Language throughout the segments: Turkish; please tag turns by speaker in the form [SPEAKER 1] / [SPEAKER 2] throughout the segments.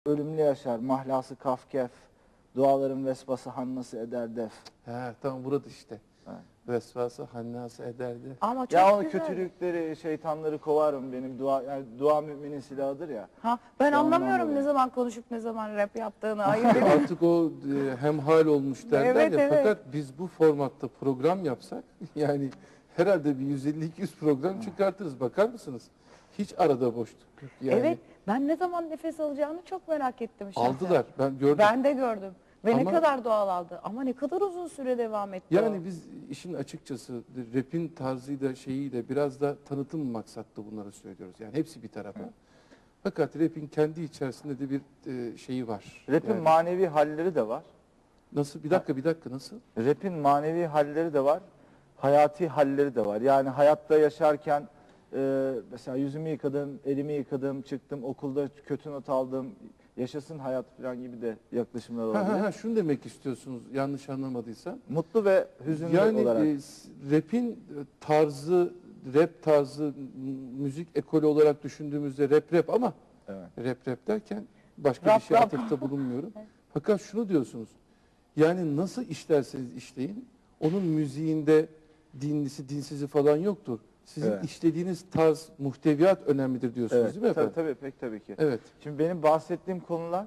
[SPEAKER 1] Ölümlü yaşar, mahlası kafkef, duaların vespası hannası eder def.
[SPEAKER 2] He, tamam burada işte.
[SPEAKER 1] Evet.
[SPEAKER 2] Vesvası hannası ederdi.
[SPEAKER 3] Ama çok
[SPEAKER 1] Ya o
[SPEAKER 3] güzel.
[SPEAKER 1] kötülükleri, şeytanları kovarım benim dua, yani dua müminin silahıdır ya.
[SPEAKER 3] Ha, ben
[SPEAKER 1] İşte ondan
[SPEAKER 3] anlamıyorum
[SPEAKER 1] dolayı.
[SPEAKER 3] ne zaman konuşup ne zaman rap yaptığını. Ayıp.
[SPEAKER 2] Artık o hemhal olmuş derler
[SPEAKER 3] Evet,
[SPEAKER 2] ya.
[SPEAKER 3] evet.
[SPEAKER 2] Fakat biz bu formatta program yapsak yani herhalde bir 150-200 program çıkartırız. Bakar mısınız? Hiç arada boşluk yok. Yani
[SPEAKER 3] Evet, ben ne zaman nefes alacağını çok merak ettim şahsen.
[SPEAKER 2] aldılar. Ben gördüm.
[SPEAKER 3] Ben de gördüm. Ve ne
[SPEAKER 2] Ama-
[SPEAKER 3] kadar doğal aldı. Ama ne kadar uzun süre devam etti
[SPEAKER 2] Yani
[SPEAKER 3] o.
[SPEAKER 2] biz işin açıkçası rap'in tarzıyla şeyiyle biraz da tanıtım maksatlı bunları söylüyoruz. Yani hepsi bir tarafa. Fakat rap'in kendi içerisinde de bir şeyi var.
[SPEAKER 1] Rap'in
[SPEAKER 2] Yani
[SPEAKER 1] manevi halleri de var.
[SPEAKER 2] nasıl? Bir dakika nasıl?
[SPEAKER 1] Rap'in manevi halleri de var. Hayati halleri de var. Yani hayatta yaşarken mesela yüzümü yıkadım, elimi yıkadım, çıktım, okulda kötü not aldım, yaşasın hayat falan gibi de yaklaşımlar olabilir.
[SPEAKER 2] Şunu demek istiyorsunuz yanlış anlamadıysam.
[SPEAKER 1] Mutlu ve hüzünlü
[SPEAKER 2] Yani
[SPEAKER 1] olarak.
[SPEAKER 2] rap'in tarzı, rap tarzı, müzik ekolü olarak düşündüğümüzde rap ama
[SPEAKER 1] Evet.
[SPEAKER 2] rap derken başka
[SPEAKER 3] Rap,
[SPEAKER 2] bir şey
[SPEAKER 3] rap.
[SPEAKER 2] atıfta bulunmuyorum. Fakat şunu diyorsunuz. Yani nasıl işlerseniz işleyin, onun müziğinde dinlisi, dinsizi falan yoktur. Sizin
[SPEAKER 1] Evet.
[SPEAKER 2] işlediğiniz tarz, muhteviyat önemlidir diyorsunuz
[SPEAKER 1] Evet.
[SPEAKER 2] değil mi efendim?
[SPEAKER 1] Tabii, pek tabii ki.
[SPEAKER 2] Evet.
[SPEAKER 1] Şimdi benim bahsettiğim konular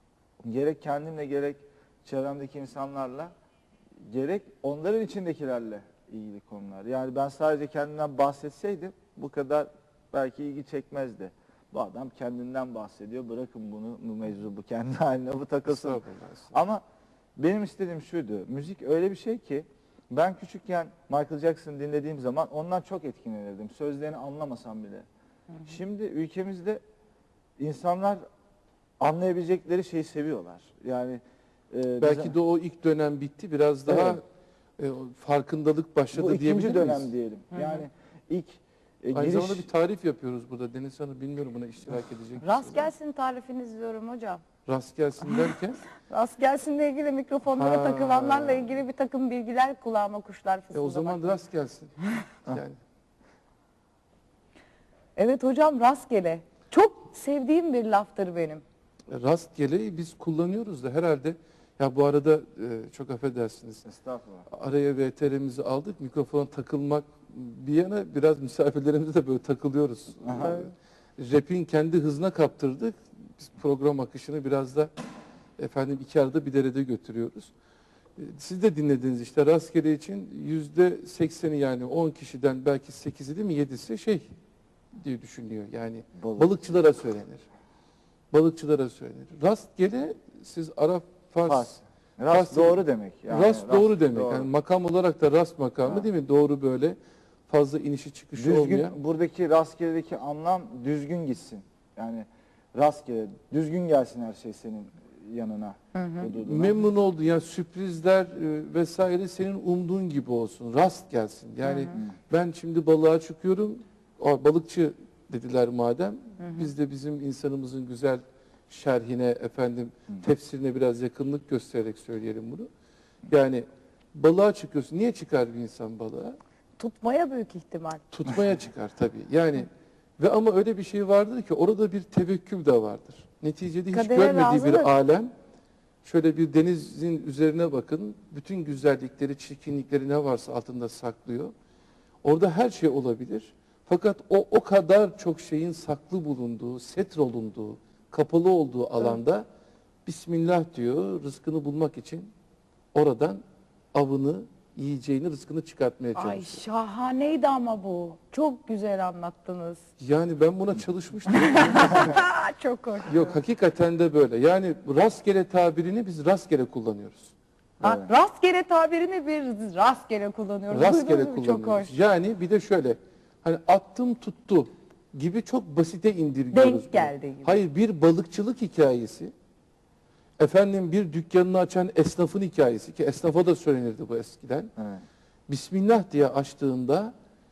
[SPEAKER 1] gerek kendimle gerek çevremdeki insanlarla gerek onların içindekilerle ilgili konular. Yani ben sadece kendimden bahsetseydim bu kadar belki ilgi çekmezdi. Bu adam kendinden bahsediyor. Bırakın bunu, bu mevzu bu kendi haline bu takılsın.
[SPEAKER 2] Estağfurullah, estağfurullah.
[SPEAKER 1] Ama benim istediğim şuydu. Müzik öyle bir şey ki ben küçükken Michael Jackson dinlediğim zaman ondan çok etkilenirdim. Sözlerini anlamasam bile. Şimdi ülkemizde insanlar anlayabilecekleri şeyi seviyorlar. Yani
[SPEAKER 2] Belki de o ilk dönem bitti. Biraz daha
[SPEAKER 1] Evet.
[SPEAKER 2] farkındalık başladı
[SPEAKER 1] bu
[SPEAKER 2] diyebilir
[SPEAKER 1] ikinci dönem
[SPEAKER 2] miyiz?
[SPEAKER 1] diyelim. Yani ilk
[SPEAKER 2] Aynı
[SPEAKER 1] giriş
[SPEAKER 2] zamanda bir tarif yapıyoruz burada. Deniz Hanım bilmiyorum buna iştirak edecek
[SPEAKER 3] Rast
[SPEAKER 2] misiniz?
[SPEAKER 3] gelsin tarifiniz diyorum hocam.
[SPEAKER 2] Rast gelsin derken
[SPEAKER 3] Rast gelsinle ilgili mikrofonlara
[SPEAKER 2] Ha.
[SPEAKER 3] takılanlarla ilgili bir takım bilgiler kulağıma kuşlar fısıldamak.
[SPEAKER 2] o zaman rast gelsin. Yani
[SPEAKER 3] Evet hocam rastgele. Çok sevdiğim bir laftır benim.
[SPEAKER 2] rastgeleyi biz kullanıyoruz da herhalde. Ya bu arada çok affedersiniz.
[SPEAKER 1] estağfurullah.
[SPEAKER 2] Araya VTR'mizi aldık. Mikrofona takılmak bir yana biraz misafirlerimize de böyle takılıyoruz.
[SPEAKER 1] Aha.
[SPEAKER 2] Rap'in kendi hızına kaptırdık. Biz program akışını biraz da efendim iki arada bir derede götürüyoruz. Siz de dinlediniz işte rastgele için %80'i yani 10 kişiden belki 8'i değil mi 7'si şey diye düşünüyor. Yani
[SPEAKER 1] Balık.
[SPEAKER 2] balıkçılara söylenir. Balıkçılara söylenir. Rastgele siz Arap Fars
[SPEAKER 1] Fars. Rast
[SPEAKER 2] Fars-
[SPEAKER 1] doğru demek. Yani
[SPEAKER 2] rast doğru demek.
[SPEAKER 1] doğru.
[SPEAKER 2] Yani makam olarak da rast makamı
[SPEAKER 1] Ha.
[SPEAKER 2] değil mi? Doğru böyle fazla inişi çıkışı
[SPEAKER 1] Düzgün,
[SPEAKER 2] olmayan.
[SPEAKER 1] buradaki rastgeledeki anlam düzgün gitsin. Yani rastgele, düzgün gelsin her şey senin yanına. hududuna.
[SPEAKER 2] Memnun oldu. Yani sürprizler vesaire senin umduğun gibi olsun. Rast gelsin. Yani ben şimdi balığa çıkıyorum. Balıkçı dediler madem. Biz de bizim insanımızın güzel şerhine efendim tefsirine biraz yakınlık göstererek söyleyelim bunu. Yani balığa çıkıyorsun. Niye çıkar bir insan balığa?
[SPEAKER 3] Tutmaya büyük ihtimal.
[SPEAKER 2] Tutmaya çıkar tabii. Yani ve ama öyle bir şey vardır ki orada bir tevekkül de vardır. Neticede hiç
[SPEAKER 3] Kadere
[SPEAKER 2] görmediği
[SPEAKER 3] razılık.
[SPEAKER 2] bir alem. Şöyle bir denizin üzerine bakın. Bütün güzellikleri, çirkinlikleri ne varsa altında saklıyor. Orada her şey olabilir. Fakat o kadar çok şeyin saklı bulunduğu, setr olunduğu, kapalı olduğu alanda Bismillah diyor, rızkını bulmak için oradan avını, yiyeceğini, rızkını çıkartmaya çalışıyor.
[SPEAKER 3] Ay şahaneydi ama bu. Çok güzel anlattınız.
[SPEAKER 2] Yani ben buna çalışmıştım.
[SPEAKER 3] Çok hoş.
[SPEAKER 2] Yok hakikaten de böyle. Yani rastgele tabirini biz rastgele kullanıyoruz.
[SPEAKER 3] Ha, rastgele tabirini bir rastgele kullanıyoruz.
[SPEAKER 2] Rastgele
[SPEAKER 3] Duydunuz mu? Çok
[SPEAKER 2] kullanıyoruz.
[SPEAKER 3] hoş.
[SPEAKER 2] Yani bir de şöyle hani attım tuttu gibi çok basite indirgiyoruz.
[SPEAKER 3] Denk
[SPEAKER 2] bunu.
[SPEAKER 3] geldi gibi.
[SPEAKER 2] Hayır bir balıkçılık hikayesi. Efendim bir dükkanını açan esnafın hikayesi ki esnafa da söylenirdi bu eskiden.
[SPEAKER 1] Evet.
[SPEAKER 2] Bismillah diye açtığında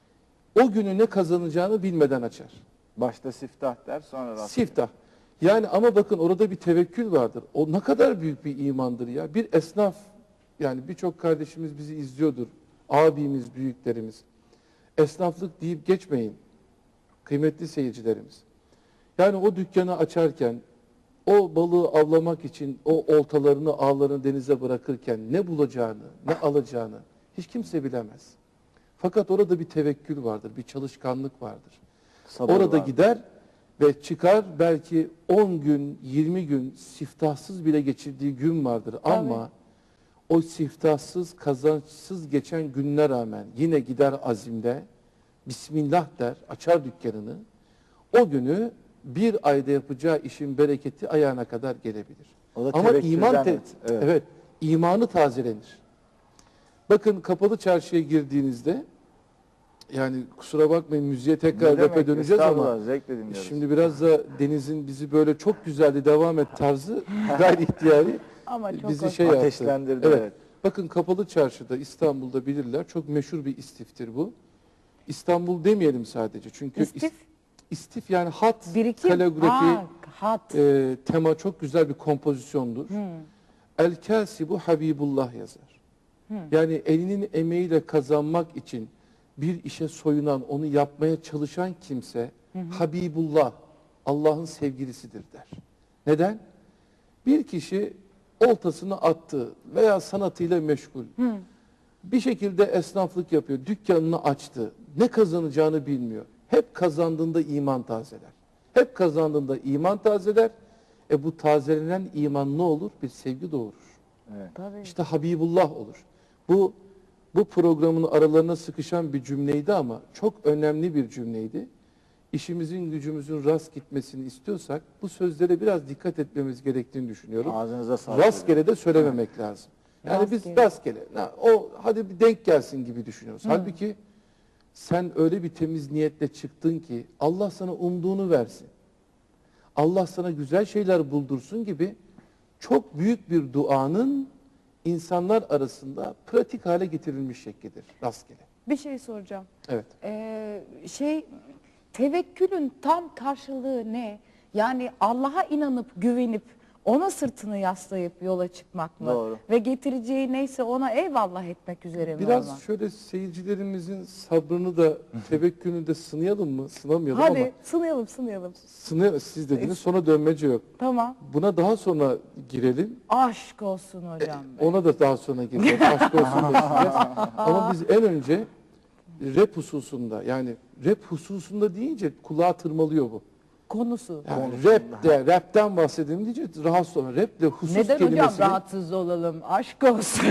[SPEAKER 2] o günü ne kazanacağını bilmeden açar.
[SPEAKER 1] Başta siftah der sonra rast.
[SPEAKER 2] Siftah. Yani ama bakın orada bir tevekkül vardır. O ne kadar büyük bir imandır ya. Bir esnaf yani birçok kardeşimiz bizi izliyordur. Abimiz, büyüklerimiz. Esnaflık deyip geçmeyin. Kıymetli seyircilerimiz. Yani o dükkanı açarken o balığı avlamak için o oltalarını, ağlarını denize bırakırken ne bulacağını, ne alacağını hiç kimse bilemez. Fakat orada bir tevekkül vardır, bir çalışkanlık vardır.
[SPEAKER 1] Sabır
[SPEAKER 2] Orada
[SPEAKER 1] var.
[SPEAKER 2] gider ve çıkar, belki 10 gün, 20 gün siftahsız bile geçirdiği gün vardır. Ama o siftahsız, kazançsız geçen gününe rağmen yine gider azimle, Bismillah der, açar dükkanını. O günü bir ayda yapacağı işin bereketi ayağına kadar gelebilir.
[SPEAKER 1] O da
[SPEAKER 2] Ama iman
[SPEAKER 1] tevekkülden, evet.
[SPEAKER 2] evet, imanı tazelenir. Bakın kapalı çarşıya girdiğinizde, yani kusura bakmayın müziğe tekrar
[SPEAKER 1] Ne demek?
[SPEAKER 2] rap'e döneceğiz ama
[SPEAKER 1] Estağfurullah, zevkle dinliyoruz.
[SPEAKER 2] şimdi biraz da Deniz'in bizi böyle çok güzeldi devam et tarzı gayri ihtiyari
[SPEAKER 3] Ama çok
[SPEAKER 2] bizi
[SPEAKER 3] hoş.
[SPEAKER 2] şey yaptı.
[SPEAKER 1] Ateşlendirdi, evet.
[SPEAKER 2] Bakın kapalı çarşıda İstanbul'da bilirler, çok meşhur bir istiftir bu. İstanbul demeyelim sadece çünkü
[SPEAKER 3] İstif?
[SPEAKER 2] istif yani hat,
[SPEAKER 3] Birikim.
[SPEAKER 2] kaligrafi,
[SPEAKER 3] Hat.
[SPEAKER 2] tema çok güzel bir kompozisyondur. El Kasibu Habibullah yazar. Yani elinin emeğiyle kazanmak için bir işe soyunan, onu yapmaya çalışan kimse Habibullah, Allah'ın sevgilisidir der. Neden? Bir kişi oltasını attı veya sanatıyla meşgul. Bir şekilde esnaflık yapıyor, dükkanını açtı. Ne kazanacağını bilmiyor. Hep kazandığında iman tazeler. Hep kazandığında iman tazeler. Bu tazelenen iman ne olur? Bir sevgi doğurur.
[SPEAKER 1] Evet.
[SPEAKER 3] Tabii.
[SPEAKER 2] İşte Habibullah olur. Bu programın aralarına sıkışan bir cümleydi ama çok önemli bir cümleydi. İşimizin gücümüzün rast gitmesini istiyorsak bu sözlere biraz dikkat etmemiz gerektiğini düşünüyorum.
[SPEAKER 1] Ağzınıza sağlık.
[SPEAKER 2] Rastgele de söylememek lazım. Yani biz rastgele, hadi bir denk gelsin gibi düşünüyoruz. Halbuki sen öyle bir temiz niyetle çıktın ki Allah sana umduğunu versin. Allah sana güzel şeyler buldursun gibi çok büyük bir duanın insanlar arasında pratik hale getirilmiş şeklidir rastgele.
[SPEAKER 3] Bir şey soracağım.
[SPEAKER 2] Evet.
[SPEAKER 3] Tevekkülün tam karşılığı ne? Yani Allah'a inanıp güvenip ona sırtını yaslayıp yola çıkmak mı?
[SPEAKER 1] Doğru.
[SPEAKER 3] Ve getireceği neyse ona eyvallah etmek üzere mi
[SPEAKER 2] Biraz
[SPEAKER 3] olmak?
[SPEAKER 2] şöyle seyircilerimizin sabrını da tevekkülünü de sınayalım mı? Sınamayalım ama
[SPEAKER 3] Hadi sınayalım.
[SPEAKER 2] siz dediniz sonra dönmece yok.
[SPEAKER 3] Tamam.
[SPEAKER 2] Buna daha sonra girelim.
[SPEAKER 3] Aşk olsun hocam. be.
[SPEAKER 2] Ona da daha sonra gireceğiz. Aşk olsun diyeceğiz. Ama biz en önce rap hususunda, yani rap hususunda deyince kulağa tırmalıyor bu.
[SPEAKER 3] Konusu.
[SPEAKER 2] Yani rapten bahsedelim deyince rahatsız olma. Raple husus
[SPEAKER 3] Neden hocam
[SPEAKER 2] kelimesini...
[SPEAKER 3] rahatsız olalım? Aşk olsun.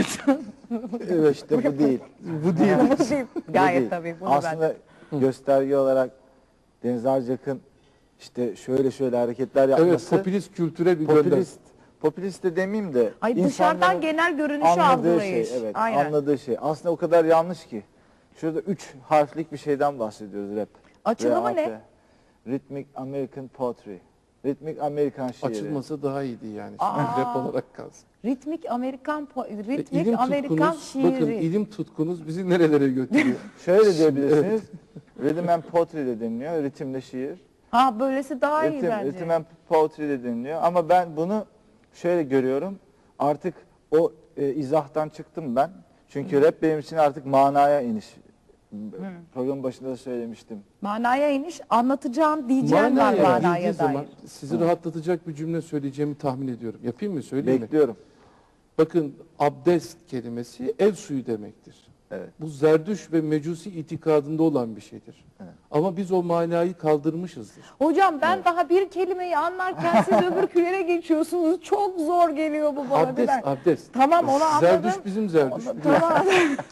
[SPEAKER 1] Evet, işte bu değil.
[SPEAKER 2] Bu değil.
[SPEAKER 3] Bu değil.
[SPEAKER 1] Bu
[SPEAKER 3] Gayet
[SPEAKER 1] değil.
[SPEAKER 3] tabii. Bunu
[SPEAKER 1] Aslında gösterge olarak Deniz Arcak'ın işte şöyle hareketler yapması.
[SPEAKER 2] Evet, popülist kültüre bir gönderme.
[SPEAKER 1] Popülist de demeyeyim de.
[SPEAKER 3] Ay dışarıdan
[SPEAKER 1] insanların
[SPEAKER 3] genel görünüşü
[SPEAKER 1] anladığı
[SPEAKER 3] algılayış.
[SPEAKER 1] şey, evet,
[SPEAKER 3] Aynen.
[SPEAKER 1] anladığı şey. Aslında o kadar yanlış ki. Şurada 3 harflik bir şeyden bahsediyoruz rap.
[SPEAKER 3] Açılımı
[SPEAKER 1] RAP.
[SPEAKER 3] ne?
[SPEAKER 1] Rhythmic American Poetry. Ritmik Amerikan şiiri.
[SPEAKER 2] Açılması daha iyiydi yani. Şimdi
[SPEAKER 3] Aa.
[SPEAKER 2] rap olarak kalsın.
[SPEAKER 3] Ritmik Amerikan
[SPEAKER 2] İlim
[SPEAKER 3] Amerikan
[SPEAKER 2] tutkunuz,
[SPEAKER 3] şiiri.
[SPEAKER 2] bakın ilim tutkunuz bizi nerelere götürüyor.
[SPEAKER 1] Şöyle diyebilirsiniz. Rhythm and Poetry de deniliyor. Ritimle şiir.
[SPEAKER 3] Ha böylesi daha iyi bence.
[SPEAKER 1] Rhythm and Poetry de deniliyor. Ama ben bunu şöyle görüyorum. Artık o izahtan çıktım ben. Çünkü rap benim için artık manaya iniş. Programın başında da söylemiştim.
[SPEAKER 3] Manaya iniş, anlatacağım diyeceğim var manaya
[SPEAKER 2] girdiği
[SPEAKER 3] dair.
[SPEAKER 2] zaman sizi rahatlatacak bir cümle söyleyeceğimi tahmin ediyorum. Yapayım mı, söyleyeyim mi?
[SPEAKER 1] Bekliyorum.
[SPEAKER 2] Bakın abdest kelimesi ev suyu demektir.
[SPEAKER 1] Evet.
[SPEAKER 2] Bu Zerdüş ve Mecusi itikadında olan bir şeydir.
[SPEAKER 1] Evet.
[SPEAKER 2] Ama biz o manayı kaldırmışızdır.
[SPEAKER 3] Hocam ben daha bir kelimeyi anlarken siz öbürkülere geçiyorsunuz. Çok zor geliyor bu bana.
[SPEAKER 2] Abdest, abdest.
[SPEAKER 3] Tamam onu anladım.
[SPEAKER 2] Zerdüş bizim Zerdüş.
[SPEAKER 3] Tamam.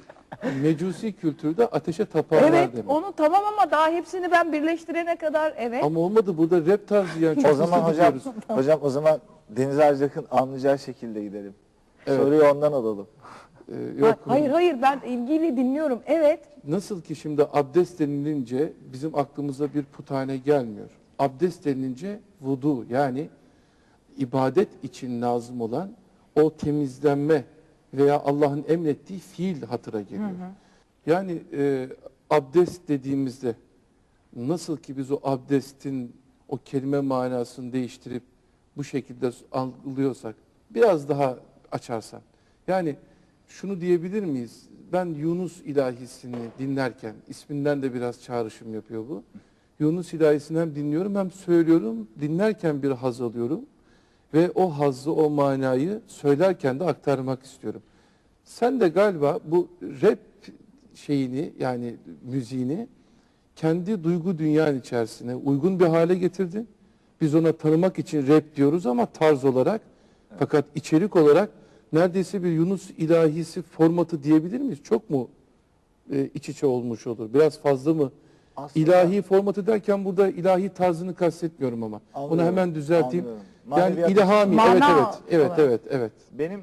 [SPEAKER 2] Mecusi kültürde ateşe taparlar
[SPEAKER 3] Evet
[SPEAKER 2] demek.
[SPEAKER 3] onu tamam ama daha hepsini ben birleştirene kadar evet.
[SPEAKER 2] Ama olmadı, burada rap tarzı yani. Çok
[SPEAKER 1] O zaman
[SPEAKER 2] hızlı
[SPEAKER 1] hocam,
[SPEAKER 2] gidiyoruz.
[SPEAKER 1] o zaman Deniz Arcak'ın anlayacağı şekilde gidelim.
[SPEAKER 2] Evet.
[SPEAKER 1] Soruyu ondan alalım.
[SPEAKER 2] Yok.
[SPEAKER 3] Hayır ben ilgili dinliyorum. Evet.
[SPEAKER 2] Nasıl ki şimdi abdest denilince bizim aklımıza bir puthane gelmiyor. Abdest denilince vudu, yani ibadet için lazım olan o temizlenme veya Allah'ın emrettiği fiil hatıra geliyor. Yani abdest dediğimizde nasıl ki biz o abdestin o kelime manasını değiştirip bu şekilde algılıyorsak, biraz daha açarsan. Yani şunu diyebilir miyiz? Ben Yunus ilahisini dinlerken, isminden de biraz çağrışım yapıyor bu. Yunus ilahisini hem dinliyorum hem söylüyorum. Dinlerken bir haz alıyorum. ve o hazzı, o manayı söylerken de aktarmak istiyorum. Sen de galiba bu rap şeyini, yani müziğini kendi duygu dünyanın içerisine uygun bir hale getirdin. Biz ona tanımak için rap diyoruz ama tarz olarak, fakat içerik olarak neredeyse bir Yunus ilahisi formatı diyebilir miyiz? Çok mu iç içe olmuş olur? Biraz fazla mı?
[SPEAKER 1] Aslında
[SPEAKER 2] İlahi formatı derken burada ilahi tarzını kastetmiyorum ama. Onu
[SPEAKER 1] anlıyorum,
[SPEAKER 2] hemen düzelteyim.
[SPEAKER 1] anlıyorum.
[SPEAKER 2] Yani
[SPEAKER 1] Maneviyat
[SPEAKER 2] ilhami,
[SPEAKER 3] Mana
[SPEAKER 2] evet
[SPEAKER 3] olarak.
[SPEAKER 2] evet.
[SPEAKER 1] benim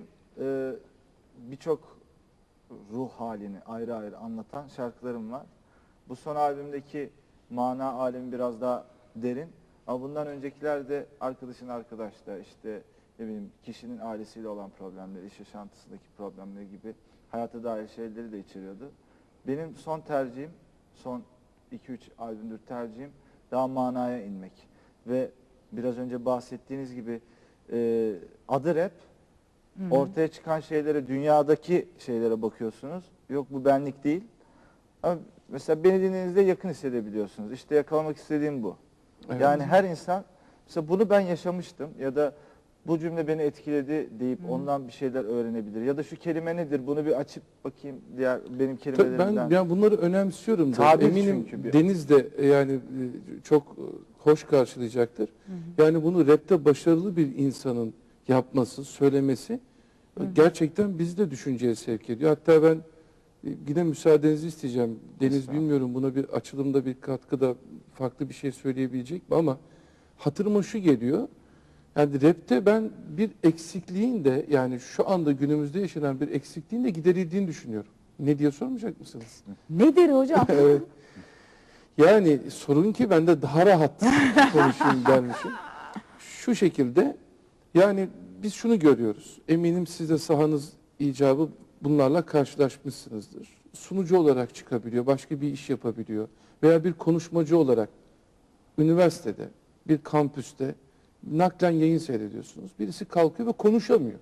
[SPEAKER 1] birçok ruh halini ayrı ayrı anlatan şarkılarım var. Bu son albümdeki mana alemi biraz daha derin. Ama bundan öncekiler de arkadaşın arkadaşta, işte ne bileyim kişinin ailesiyle olan problemleri, iş yaşantısındaki problemleri gibi hayata dair şeyleri de içeriyordu. Benim son tercihim, son 2-3 albümdür tercihim daha manaya inmek. Ve biraz önce bahsettiğiniz gibi adı rap, ortaya çıkan şeylere, dünyadaki şeylere bakıyorsunuz. Yok bu benlik değil. Ama mesela beni dinlediğinizde yakın hissedebiliyorsunuz. İşte yakalamak istediğim bu.
[SPEAKER 2] Evet.
[SPEAKER 1] Yani her insan, mesela bunu ben yaşamıştım ya da bu cümle beni etkiledi deyip ondan bir şeyler öğrenebilir. Ya da şu kelime nedir, bunu bir açıp bakayım diğer benim
[SPEAKER 2] Tabii
[SPEAKER 1] kelimelerimden.
[SPEAKER 2] ben bunları önemsiyorum da
[SPEAKER 1] Tabir
[SPEAKER 2] eminim
[SPEAKER 1] çünkü
[SPEAKER 2] Deniz de yani çok hoş karşılayacaktır. Yani bunu rapte başarılı bir insanın yapması, söylemesi gerçekten bizi de düşünceye sevk ediyor. Hatta ben yine müsaadenizi isteyeceğim. Deniz,
[SPEAKER 1] Estağfurullah.
[SPEAKER 2] bilmiyorum buna bir açılımda bir katkıda farklı bir şey söyleyebilecek mi ama hatırıma şu geliyor. Yani rapte ben bir eksikliğin de, yani şu anda günümüzde yaşanan bir eksikliğin de giderildiğini düşünüyorum. Ne diye sormayacak mısınız?
[SPEAKER 3] Nedir hocam?
[SPEAKER 2] Evet. Yani sorun ki ben de daha rahat konuşayım dermişim. Şu şekilde, yani biz şunu görüyoruz. Eminim siz de sahanız icabı bunlarla karşılaşmışsınızdır. Sunucu olarak çıkabiliyor, başka bir iş yapabiliyor. Veya bir konuşmacı olarak üniversitede, bir kampüste naklen yayın seyrediyorsunuz. Birisi kalkıyor ve konuşamıyor.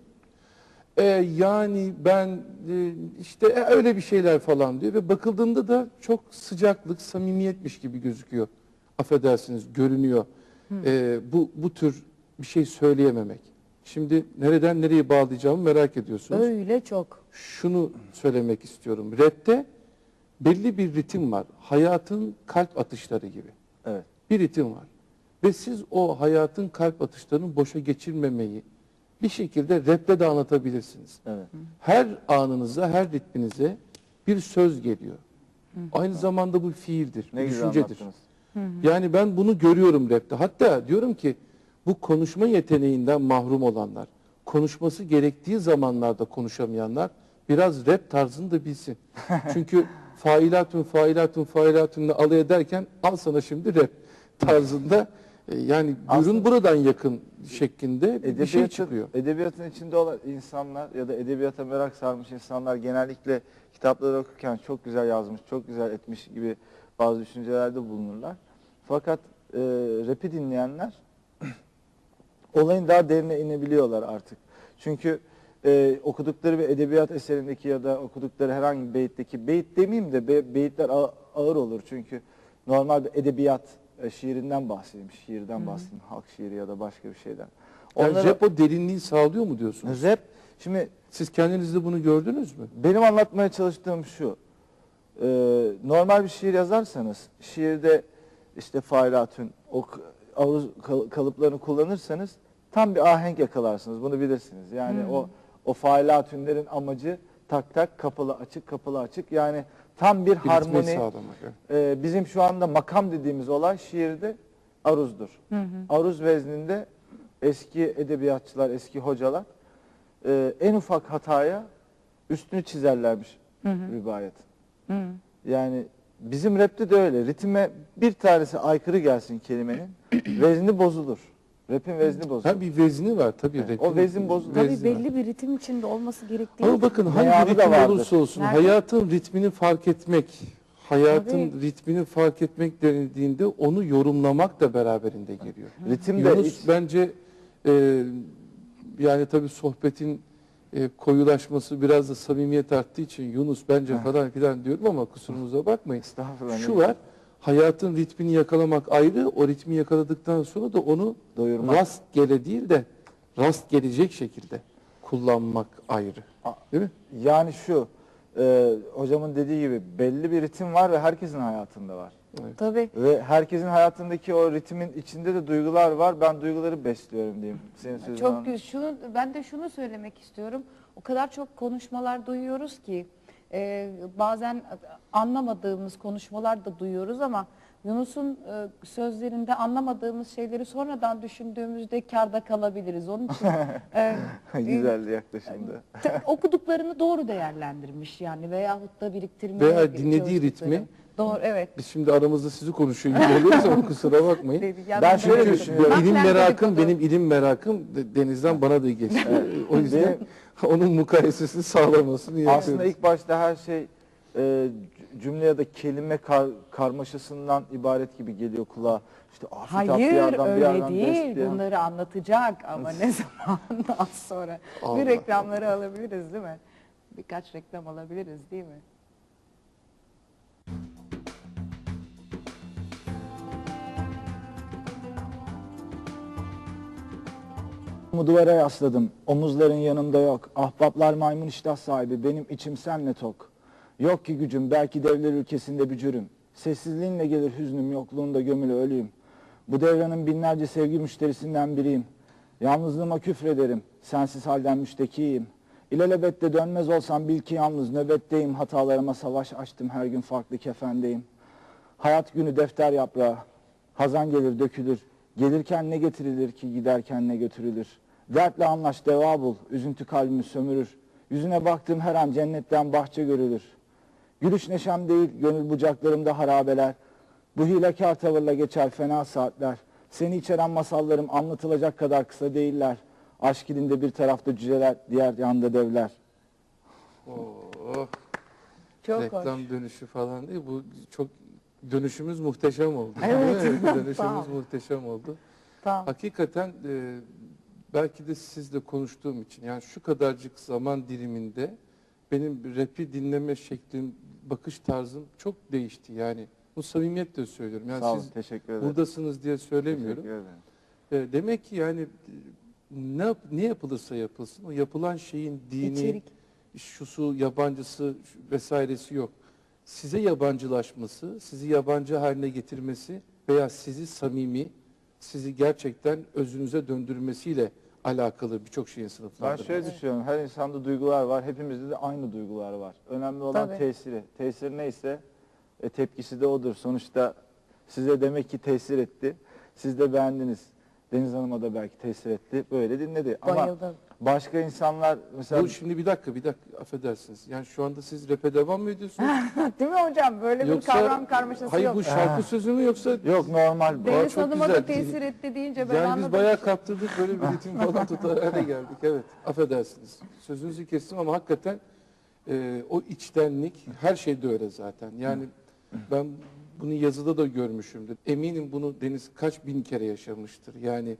[SPEAKER 2] Yani ben işte öyle bir şeyler falan diyor ve bakıldığında da çok sıcaklık, samimiyetmiş gibi gözüküyor. Affedersiniz, görünüyor. Bu tür bir şey söyleyememek. Şimdi nereden nereye bağlayacağımı merak ediyorsunuz.
[SPEAKER 3] Öyle çok.
[SPEAKER 2] Şunu söylemek istiyorum. Rap'te belli bir ritim var. Hayatın kalp atışları gibi.
[SPEAKER 1] Evet.
[SPEAKER 2] Bir ritim var. Ve siz o hayatın kalp atışlarını boşa geçirmemeyi bir şekilde rap'le de anlatabilirsiniz.
[SPEAKER 1] Evet.
[SPEAKER 2] Her anınıza, her ritminize bir söz geliyor. Aynı zamanda bu fiildir,
[SPEAKER 1] Ne güzel
[SPEAKER 2] düşüncedir.
[SPEAKER 1] anlattınız.
[SPEAKER 2] Yani ben bunu görüyorum rap'te. Hatta diyorum ki bu konuşma yeteneğinden mahrum olanlar, konuşması gerektiği zamanlarda konuşamayanlar biraz rap tarzını da bilsin. Çünkü failatun alay ederken al sana şimdi rap tarzında yani ürün
[SPEAKER 1] Aslında
[SPEAKER 2] buradan yakın şeklinde bir şey çıkıyor.
[SPEAKER 1] Edebiyatın içinde olan insanlar ya da edebiyata merak sarmış insanlar genellikle kitapları okurken çok güzel yazmış, çok güzel etmiş gibi bazı düşüncelerde bulunurlar. Fakat rap'i dinleyenler olayın daha derine inebiliyorlar artık. Çünkü okudukları bir edebiyat eserindeki ya da okudukları herhangi bir beytteki, beyit demeyeyim de beyitler ağır olur. Çünkü normal bir edebiyat şiirinden bahsedeyim, şiirden bahsedeyim, halk şiiri ya da başka bir şeyden.
[SPEAKER 2] Yani
[SPEAKER 1] Onlara,
[SPEAKER 2] rap o derinliği sağlıyor mu diyorsunuz?
[SPEAKER 1] rap, şimdi
[SPEAKER 2] Siz kendinizde bunu gördünüz mü?
[SPEAKER 1] benim anlatmaya çalıştığım şu, normal bir şiir yazarsanız, şiirde işte failatün, aruz kalıplarını kullanırsanız tam bir ahenk yakalarsınız, bunu bilirsiniz. Yani o failatünlerin amacı tak tak, kapalı açık, kapalı açık, yani tam bir
[SPEAKER 2] Ritmi
[SPEAKER 1] harmoni.
[SPEAKER 2] sağlamak. Evet.
[SPEAKER 1] Bizim şu anda makam dediğimiz olay şiirde aruzdur. Aruz vezninde eski edebiyatçılar, eski hocalar en ufak hataya üstünü çizerlermiş rivayet. Yani bizim rapte de öyle. Ritme bir tanesi aykırı gelsin kelimenin, vezni bozulur. Rap'in vezni bozulur.
[SPEAKER 2] Ha, bir vezni var tabii.
[SPEAKER 1] Evet,
[SPEAKER 2] rapin
[SPEAKER 1] o vezin bozulur.
[SPEAKER 3] Tabii
[SPEAKER 2] vezni var.
[SPEAKER 3] belli bir ritim içinde olması gerektiği
[SPEAKER 2] Ama
[SPEAKER 3] için.
[SPEAKER 2] bakın
[SPEAKER 1] Meyanı
[SPEAKER 2] hangi
[SPEAKER 1] da
[SPEAKER 2] ritim
[SPEAKER 1] vardır.
[SPEAKER 2] olursa olsun
[SPEAKER 3] Nerede?
[SPEAKER 2] hayatın ritmini fark etmek, hayatın
[SPEAKER 3] Tabii.
[SPEAKER 2] ritmini fark etmek denildiğinde onu yorumlamak da beraberinde geliyor.
[SPEAKER 1] Ritim de
[SPEAKER 2] Yunus bence yani tabii sohbetin koyulaşması biraz da samimiyet arttığı için Yunus bence falan filan diyorum ama kusurumuza bakmayın.
[SPEAKER 1] Estağfurullah.
[SPEAKER 2] Şu var, hayatın ritmini yakalamak ayrı, o ritmi yakaladıktan sonra da onu
[SPEAKER 1] Doyurmak.
[SPEAKER 2] rastgele değil de rast gelecek şekilde kullanmak ayrı. Değil mi?
[SPEAKER 1] Yani şu, hocamın dediği gibi belli bir ritim var ve herkesin hayatında var.
[SPEAKER 3] Tabii.
[SPEAKER 1] Ve herkesin hayatındaki o ritmin içinde de duygular var. Ben duyguları besliyorum diyeyim. Senin sözünü
[SPEAKER 3] Çok ben de şunu söylemek istiyorum. O kadar çok konuşmalar duyuyoruz ki bazen anlamadığımız konuşmalar da duyuyoruz ama Yunus'un sözlerinde anlamadığımız şeyleri sonradan düşündüğümüzde kârda kalabiliriz. Onun için
[SPEAKER 1] Güzel yaklaşımdı.
[SPEAKER 3] okuduklarını doğru değerlendirmiş yani veyahut da biriktirmeye
[SPEAKER 2] Veya dinlediği
[SPEAKER 3] çalıştıkları.
[SPEAKER 2] ritmi.
[SPEAKER 3] Doğru, evet.
[SPEAKER 2] Biz şimdi aramızda sizi konuşuyor gibi oluyoruz ama kusura bakmayın.
[SPEAKER 1] Ben şöyle
[SPEAKER 2] Çünkü
[SPEAKER 1] düşünüyorum.
[SPEAKER 2] ilim
[SPEAKER 3] Naklen
[SPEAKER 2] merakım,
[SPEAKER 3] dedikodu.
[SPEAKER 2] benim ilim merakım Deniz'den bana da geçti. O yüzden onun mukayesesini sağlamasını yapıyoruz.
[SPEAKER 1] Aslında ilk başta her şey cümle ya da kelime karmaşasından ibaret gibi geliyor kulağa. İşte afet bir
[SPEAKER 3] Hayır
[SPEAKER 1] yerden bir
[SPEAKER 3] öyle
[SPEAKER 1] yerden
[SPEAKER 3] değil.
[SPEAKER 1] besleyen.
[SPEAKER 3] Bunları anlatacak ama ne zaman az sonra.
[SPEAKER 2] Allah
[SPEAKER 3] Bir reklamları alabiliriz değil mi? Birkaç reklam alabiliriz değil mi?
[SPEAKER 1] Duvara yasladım. Omuzların yanımda yok. Ahbaplar maymun iştah sahibi. Benim içim senle tok. Yok ki gücüm. Belki devler ülkesinde bücürüm. Sessizliğinle gelir hüznüm. Yokluğunda gömülü ölüyüm. Bu devranın binlerce sevgi müşterisinden biriyim. Yalnızlığıma küfrederim. Sensiz halden müştekiyim. İlelebette dönmez olsam bil ki yalnız nöbetteyim. Hatalarıma savaş açtım. Her gün farklı kefendeyim. Hayat günü defter yaprağı. Hazan gelir dökülür. Gelirken ne getirilir ki giderken ne götürülür. Dertle anlaş deva bul. Üzüntü kalbimi sömürür. Yüzüne baktığım her an cennetten bahçe görülür. Gülüş neşem değil gönül bucaklarımda harabeler. Bu hilekâr tavırla geçer fena saatler. Seni içeren masallarım anlatılacak kadar kısa değiller. Aşk ilinde bir tarafta cüceler, diğer yanda devler.
[SPEAKER 2] Oh,
[SPEAKER 3] Çok
[SPEAKER 2] reklam
[SPEAKER 3] hoş.
[SPEAKER 2] dönüşü falan değil. Bu çok dönüşümüz muhteşem oldu.
[SPEAKER 3] Evet.
[SPEAKER 2] Değil mi? Dönüşümüz
[SPEAKER 3] Tamam.
[SPEAKER 2] muhteşem oldu.
[SPEAKER 3] Tamam.
[SPEAKER 2] Hakikaten belki de sizle konuştuğum için yani şu kadarcık zaman diliminde benim rap'i dinleme şeklim, bakış tarzım çok değişti. Yani bu samimiyetle söylüyorum. Yani
[SPEAKER 1] Sağ olun,
[SPEAKER 2] siz
[SPEAKER 1] teşekkür ederim.
[SPEAKER 2] buradasınız diye söylemiyorum.
[SPEAKER 1] Teşekkür ederim.
[SPEAKER 2] Demek ki yani ne yapılırsa yapılsın o yapılan şeyin dini,
[SPEAKER 3] İçerik.
[SPEAKER 2] şusu, yabancısı vesairesi yok. Size yabancılaşması, sizi yabancı haline getirmesi veya sizi samimi, sizi gerçekten özünüze döndürmesiyle alakalı birçok şeyin
[SPEAKER 1] Ben
[SPEAKER 2] sınıflandırması.
[SPEAKER 1] şöyle düşünüyorum. Her insanda duygular var. Hepimizde de aynı duygular var. Önemli olan
[SPEAKER 3] Tabii.
[SPEAKER 1] tesiri. Tesir neyse tepkisi de odur. Sonuçta size demek ki tesir etti. Siz de beğendiniz. Deniz Hanım'a da belki tesir etti. Böyle dinledi. Ama
[SPEAKER 3] Bayıldım.
[SPEAKER 1] başka insanlar mesela
[SPEAKER 2] Bu şimdi bir dakika affedersiniz. Yani şu anda siz rap'e devam mı ediyorsunuz?
[SPEAKER 3] Değil mi hocam? Böyle bir kavram karmaşası
[SPEAKER 2] hayır
[SPEAKER 3] yok.
[SPEAKER 2] bu şarkı sözü mü yoksa
[SPEAKER 1] yok normal.
[SPEAKER 3] Deniz
[SPEAKER 2] çok
[SPEAKER 3] Hanım'a
[SPEAKER 2] güzel.
[SPEAKER 3] da tesir etti deyince ben
[SPEAKER 2] yani
[SPEAKER 3] anladım.
[SPEAKER 2] biz bayağı kaptırdık böyle bir ritim falan tutar hale geldik. Evet affedersiniz. Sözünüzü kestim ama hakikaten o içtenlik her şeyde öyle zaten. Yani ben bunu yazıda da görmüşümdür. Eminim bunu Deniz kaç bin kere yaşamıştır. Yani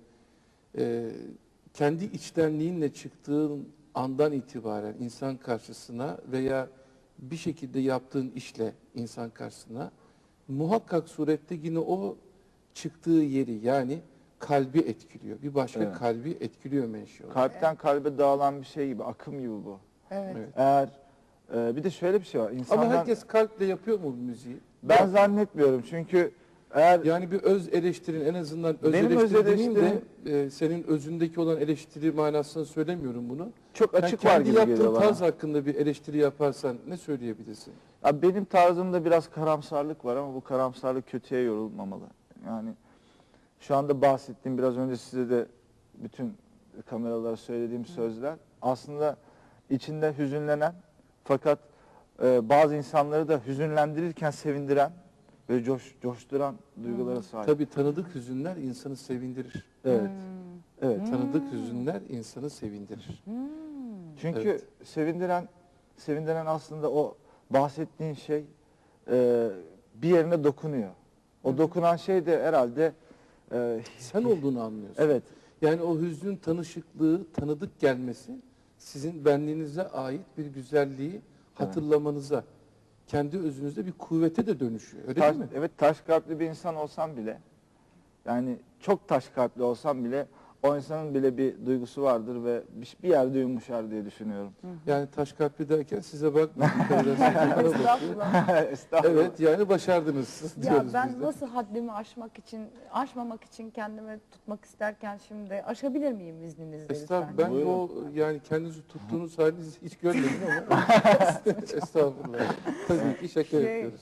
[SPEAKER 2] kendi içtenliğinle çıktığın andan itibaren insan karşısına veya bir şekilde yaptığın işle insan karşısına muhakkak surette yine o çıktığı yeri yani kalbi etkiliyor. Bir başka
[SPEAKER 1] Evet.
[SPEAKER 2] kalbi etkiliyor menşe olarak.
[SPEAKER 1] Kalpten kalbe dağılan bir şey gibi, akım gibi bu.
[SPEAKER 3] Evet.
[SPEAKER 2] Evet.
[SPEAKER 1] Eğer bir de şöyle bir şey var. İnsanlar,
[SPEAKER 2] Ama herkes kalple yapıyor mu bu müziği?
[SPEAKER 1] ben zannetmiyorum çünkü eğer
[SPEAKER 2] Yani bir öz eleştirin en azından öz
[SPEAKER 1] Benim öz
[SPEAKER 2] eleştiri demeyeyim de
[SPEAKER 1] eleştirim-
[SPEAKER 2] senin özündeki olan eleştiri manasında söylemiyorum bunu.
[SPEAKER 1] çok
[SPEAKER 2] Yani
[SPEAKER 1] açık var
[SPEAKER 2] kendi
[SPEAKER 1] gibi
[SPEAKER 2] yaptığın
[SPEAKER 1] geliyor bana.
[SPEAKER 2] tarz hakkında bir eleştiri yaparsan ne söyleyebilirsin?
[SPEAKER 1] Abi benim tarzımda biraz karamsarlık var ama bu karamsarlık kötüye yorulmamalı. Yani şu anda bahsettiğim biraz önce size de bütün kameralara söylediğim sözler aslında içinde hüzünlenen fakat bazı insanları da hüzünlendirirken sevindiren ve coşturan duygulara sahip.
[SPEAKER 2] Tabii tanıdık hüzünler insanı sevindirir.
[SPEAKER 1] Evet. Evet.
[SPEAKER 2] Tanıdık hüzünler insanı sevindirir.
[SPEAKER 1] Çünkü
[SPEAKER 2] Evet.
[SPEAKER 1] sevindiren aslında o bahsettiğin şey bir yerine dokunuyor. O dokunan şey de herhalde
[SPEAKER 2] Sen olduğunu anlıyorsun.
[SPEAKER 1] evet.
[SPEAKER 2] Yani o hüznün tanışıklığı, tanıdık gelmesi sizin benliğinize ait bir güzelliği hatırlamanıza, kendi özünüzde bir kuvvete de dönüşüyor. Öyle değil mi?
[SPEAKER 1] Evet, taş kalpli bir insan olsam bile yani çok taş kalpli olsam bile o insanın bile bir duygusu vardır ve bir yerde yumuşar diye düşünüyorum.
[SPEAKER 2] Yani taş kalpli derken size bakmıyorum. Bana bakıyor.
[SPEAKER 3] Estağfurullah.
[SPEAKER 1] Estağfurullah.
[SPEAKER 2] Evet, yani başardınız
[SPEAKER 3] Ya
[SPEAKER 2] diyoruz
[SPEAKER 3] ben
[SPEAKER 2] biz de.
[SPEAKER 3] nasıl haddimi aşmamak için kendimi tutmak isterken şimdi aşabilir miyim izninizle
[SPEAKER 2] Estağfurullah.
[SPEAKER 3] lütfen?
[SPEAKER 2] Ben o yani kendinizi tuttuğunuz halinizi hiç görmedim ama estağfurullah. Tabii ki şaka yapıyoruz.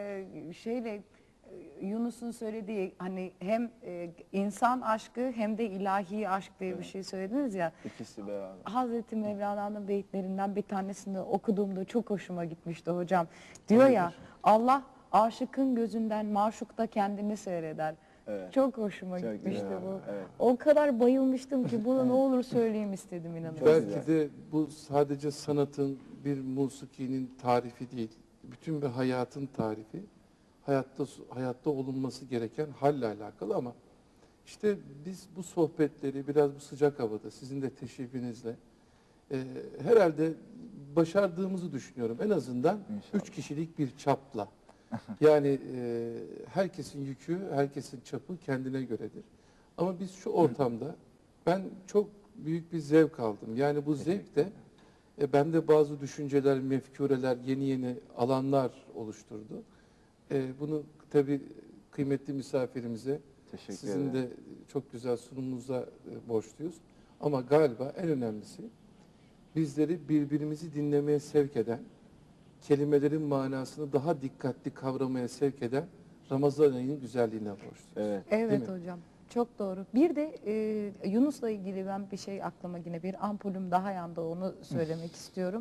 [SPEAKER 3] Yunus'un söylediği hani hem insan aşkı hem de ilahi aşk diye bir şey söylediniz ya.
[SPEAKER 1] İkisi beraber.
[SPEAKER 3] Hazreti Mevlana'nın beyitlerinden bir tanesini okuduğumda çok hoşuma gitmişti hocam. Diyor ya
[SPEAKER 2] Hayırdır?
[SPEAKER 3] Allah aşıkın gözünden maşukta kendini seyreder.
[SPEAKER 1] Evet.
[SPEAKER 3] Çok hoşuma
[SPEAKER 1] Çok
[SPEAKER 3] gitmişti
[SPEAKER 1] güzel,
[SPEAKER 3] bu.
[SPEAKER 1] evet.
[SPEAKER 3] O kadar bayılmıştım ki bunu ne olur söyleyeyim istedim inanın.
[SPEAKER 1] Çok
[SPEAKER 2] Belki
[SPEAKER 1] güzel.
[SPEAKER 2] de bu sadece sanatın, bir musikinin tarifi değil. Bütün bir hayatın tarifi. Hayatta olunması gereken halle alakalı ama işte biz bu sohbetleri biraz bu sıcak havada sizin de teşrifinizle herhalde başardığımızı düşünüyorum. En azından
[SPEAKER 1] İnşallah.
[SPEAKER 2] 3 kişilik bir çapla. Yani herkesin yükü, herkesin çapı kendine göredir. Ama biz şu ortamda ben çok büyük bir zevk aldım. Yani bu zevk de bende bazı düşünceler, mefkureler, yeni alanlar oluşturdu. Bunu tabii kıymetli misafirimize,
[SPEAKER 1] Teşekkür
[SPEAKER 2] sizin
[SPEAKER 1] ederim.
[SPEAKER 2] de çok güzel sunumunuza borçluyuz. Ama galiba en önemlisi bizleri birbirimizi dinlemeye sevk eden, kelimelerin manasını daha dikkatli kavramaya sevk eden Ramazan ayının güzelliğine borçluyuz.
[SPEAKER 1] Evet.
[SPEAKER 3] Evet
[SPEAKER 2] Değil mi?
[SPEAKER 3] hocam. Çok doğru. Bir de Yunus'la ilgili ben bir şey aklıma yine bir ampulüm daha yandı onu söylemek istiyorum.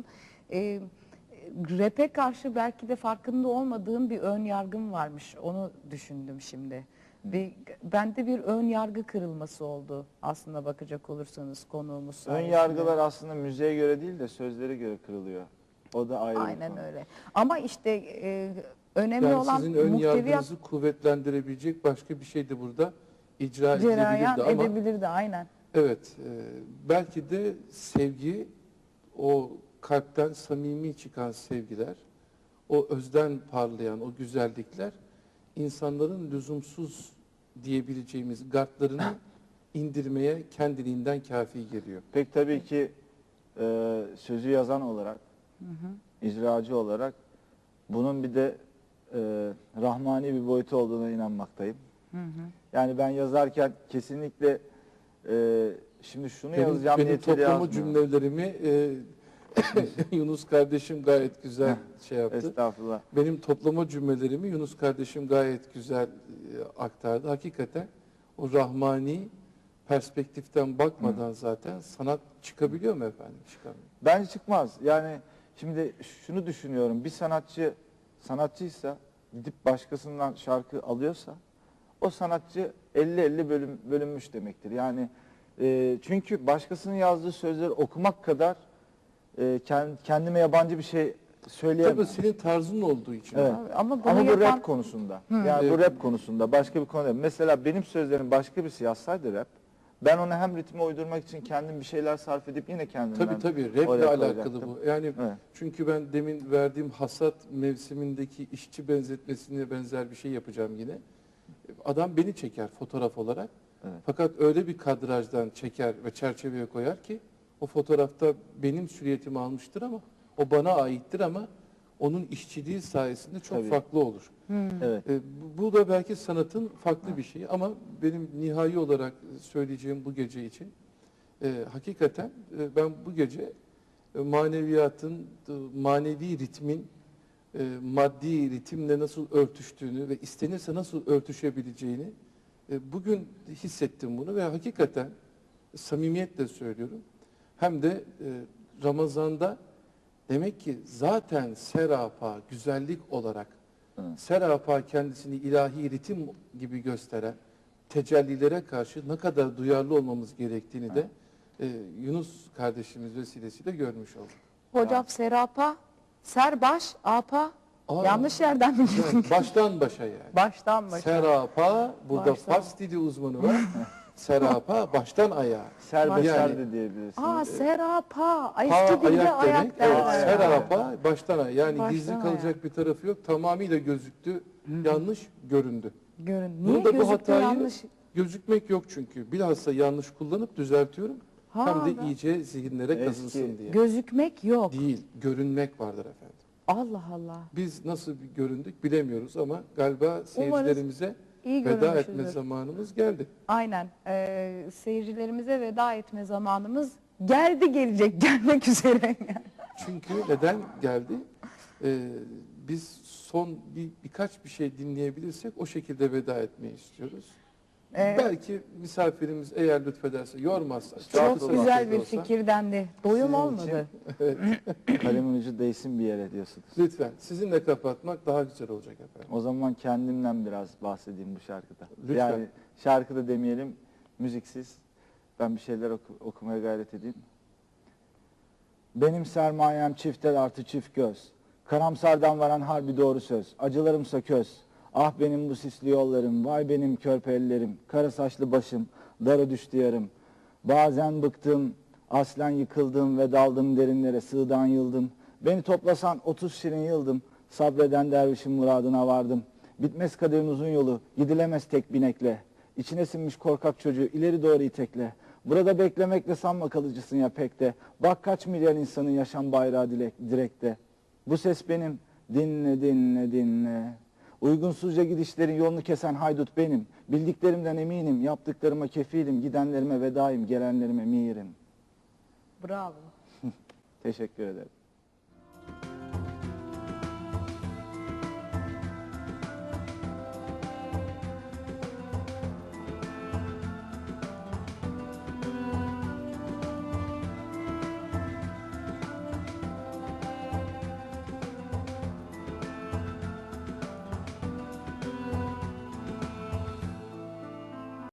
[SPEAKER 3] Rap'e karşı belki de farkında olmadığım bir ön yargım varmış. Onu düşündüm şimdi. Bende bir ön yargı kırılması oldu aslında bakacak olursanız konuğumuz
[SPEAKER 1] Ön
[SPEAKER 3] sayesinde.
[SPEAKER 1] yargılar aslında müziğe göre değil de sözlere göre kırılıyor. O da ayrı bir
[SPEAKER 3] Aynen
[SPEAKER 1] konu.
[SPEAKER 3] öyle. Ama işte önemli
[SPEAKER 2] Yani
[SPEAKER 3] olan
[SPEAKER 2] sizin ön
[SPEAKER 3] muhteviyat
[SPEAKER 2] yargınızı kuvvetlendirebilecek başka bir şey de burada icra edilebilirdi
[SPEAKER 3] cereyan
[SPEAKER 2] ama
[SPEAKER 3] edebilirdi aynen.
[SPEAKER 2] evet, belki de sevgi, o kalpten samimi çıkan sevgiler, o özden parlayan o güzellikler insanların lüzumsuz diyebileceğimiz gardlarını indirmeye kendiliğinden kafi geliyor.
[SPEAKER 1] Pek tabii ki sözü yazan olarak, icracı olarak bunun bir de rahmani bir boyutu olduğuna inanmaktayım. Yani ben yazarken kesinlikle şimdi şunu yazacağım
[SPEAKER 2] Benim
[SPEAKER 1] niyetiyle
[SPEAKER 2] toplama
[SPEAKER 1] yazmıyorum.
[SPEAKER 2] cümlelerimi Yunus kardeşim gayet güzel şey yaptı.
[SPEAKER 1] Estağfurullah.
[SPEAKER 2] Benim toplama cümlelerimi Yunus kardeşim gayet güzel aktardı. Hakikaten o rahmani perspektiften bakmadan zaten sanat çıkabiliyor mu efendim? Çıkamıyor.
[SPEAKER 1] Bence çıkmaz. Yani şimdi şunu düşünüyorum. Bir sanatçıysa gidip başkasından şarkı alıyorsa o sanatçı 50-50 bölünmüş demektir. Yani çünkü başkasının yazdığı sözleri okumak kadar kendime yabancı bir şey söyleyemem.
[SPEAKER 2] Tabii senin tarzın olduğu için.
[SPEAKER 1] Evet.
[SPEAKER 3] Ama bunu
[SPEAKER 1] Ama bu
[SPEAKER 3] yapan
[SPEAKER 1] rap konusunda. Yani bu rap konusunda başka bir konuda. Mesela benim sözlerim başka birisi yazsaydı rap, ben ona hem ritme uydurmak için kendim bir şeyler sarf edip yine kendimden
[SPEAKER 2] Tabii raple
[SPEAKER 1] oraya
[SPEAKER 2] alakalı
[SPEAKER 1] koyacaktım.
[SPEAKER 2] bu. Yani
[SPEAKER 1] Evet.
[SPEAKER 2] çünkü ben demin verdiğim hasat mevsimindeki işçi benzetmesine benzer bir şey yapacağım yine. Adam beni çeker fotoğraf olarak.
[SPEAKER 1] Evet.
[SPEAKER 2] Fakat öyle bir kadrajdan çeker ve çerçeveye koyar ki o fotoğrafta benim süriyetimi almıştır ama o bana aittir ama onun işçiliği sayesinde çok
[SPEAKER 1] Tabii.
[SPEAKER 2] farklı olur.
[SPEAKER 1] Evet.
[SPEAKER 2] Bu da belki sanatın farklı bir şeyi ama benim nihai olarak söyleyeceğim bu gece için hakikaten ben bu gece maneviyatın, manevi ritmin maddi ritimle nasıl örtüştüğünü ve istenirse nasıl örtüşebileceğini bugün hissettim bunu ve hakikaten samimiyetle söylüyorum. Hem de Ramazan'da demek ki zaten serapa güzellik olarak serapa kendisini ilahi ritim gibi gösteren tecellilere karşı ne kadar duyarlı olmamız gerektiğini de Yunus kardeşimiz vesilesiyle görmüş olduk.
[SPEAKER 3] hocam serapa, serbaş, apa
[SPEAKER 2] Aa,
[SPEAKER 3] yanlış yerden mi girdin?
[SPEAKER 2] evet, baştan başa yani.
[SPEAKER 3] Baştan başa.
[SPEAKER 2] Serapa, burada
[SPEAKER 3] Baştan.
[SPEAKER 2] Fars dili uzmanı var. Serapa baştan ayağa.
[SPEAKER 1] Serbeser
[SPEAKER 2] Yani-
[SPEAKER 1] de diyebilirsiniz.
[SPEAKER 3] Aa serapa.
[SPEAKER 2] Pa
[SPEAKER 3] Eski dilde
[SPEAKER 2] ayak
[SPEAKER 3] ayak
[SPEAKER 2] demek.
[SPEAKER 3] derler.
[SPEAKER 2] Evet, serapa baştan ayağa. Yani
[SPEAKER 3] Baştan
[SPEAKER 2] gizli kalacak
[SPEAKER 3] ayağa.
[SPEAKER 2] bir tarafı yok. Tamamıyla gözüktü. Yanlış göründü.
[SPEAKER 3] Görün.
[SPEAKER 2] Bunu
[SPEAKER 3] Niye
[SPEAKER 2] da bu
[SPEAKER 3] gözüktü
[SPEAKER 2] hatayı
[SPEAKER 3] yanlış?
[SPEAKER 2] Gözükmek yok çünkü. Bilhassa yanlış kullanıp düzeltiyorum.
[SPEAKER 3] Ha,
[SPEAKER 2] Hem de
[SPEAKER 3] ben-
[SPEAKER 2] iyice zihinlere
[SPEAKER 1] Eski.
[SPEAKER 2] kazınsın diye.
[SPEAKER 3] Gözükmek yok.
[SPEAKER 2] Değil, görünmek vardır efendim.
[SPEAKER 3] Allah Allah.
[SPEAKER 2] Biz nasıl bir göründük bilemiyoruz ama galiba seyircilerimize
[SPEAKER 3] iyi
[SPEAKER 2] veda
[SPEAKER 3] görünmüşüzdür.
[SPEAKER 2] etme zamanımız geldi.
[SPEAKER 3] Aynen. Seyircilerimize veda etme zamanımız geldi, gelecek, gelmek üzere.
[SPEAKER 2] Çünkü neden geldi? Biz son birkaç bir şey dinleyebilirsek o şekilde veda etmeyi istiyoruz. Belki misafirimiz eğer lütfederse, yormazsa.
[SPEAKER 3] Çok
[SPEAKER 1] Çok
[SPEAKER 3] güzel bir
[SPEAKER 2] olsa,
[SPEAKER 3] fikirdendi. Doyum
[SPEAKER 1] Sizin
[SPEAKER 3] olmadı.
[SPEAKER 1] Kalemin ucu değsin bir yere diyorsunuz.
[SPEAKER 2] Lütfen sizinle kapatmak daha güzel olacak efendim.
[SPEAKER 1] O zaman kendimden biraz bahsedeyim bu şarkıda.
[SPEAKER 2] Lütfen.
[SPEAKER 1] Yani şarkıda demeyelim, müziksiz. Ben bir şeyler okumaya gayret edeyim. Benim sermayem çift el artı çift göz. Karamsardan varan harbi doğru söz. Acılarımsa köz. Ah benim bu sisli yollarım, vay benim körpe ellerim. Kara saçlı başım, dara düştü yarım. Bazen bıktım, aslen yıkıldım ve daldım derinlere, sığdan yıldım. Beni toplasan 30 şirin yıldım. Sabreden dervişin muradına vardım. Bitmez kaderin uzun yolu, gidilemez tek binekle. İçine sinmiş korkak çocuğu ileri doğru itekle. Burada beklemekle sanma kalıcısın ya pek de. Bak kaç milyar insanın yaşam bayrağı direkte. Bu ses benim, dinle dinle dinle. Uygunsuzca gidişlerin yolunu kesen haydut benim. Bildiklerimden eminim, yaptıklarıma kefilim, gidenlerime vedaim, gelenlerime mirim.
[SPEAKER 3] Bravo.
[SPEAKER 1] Teşekkür ederim.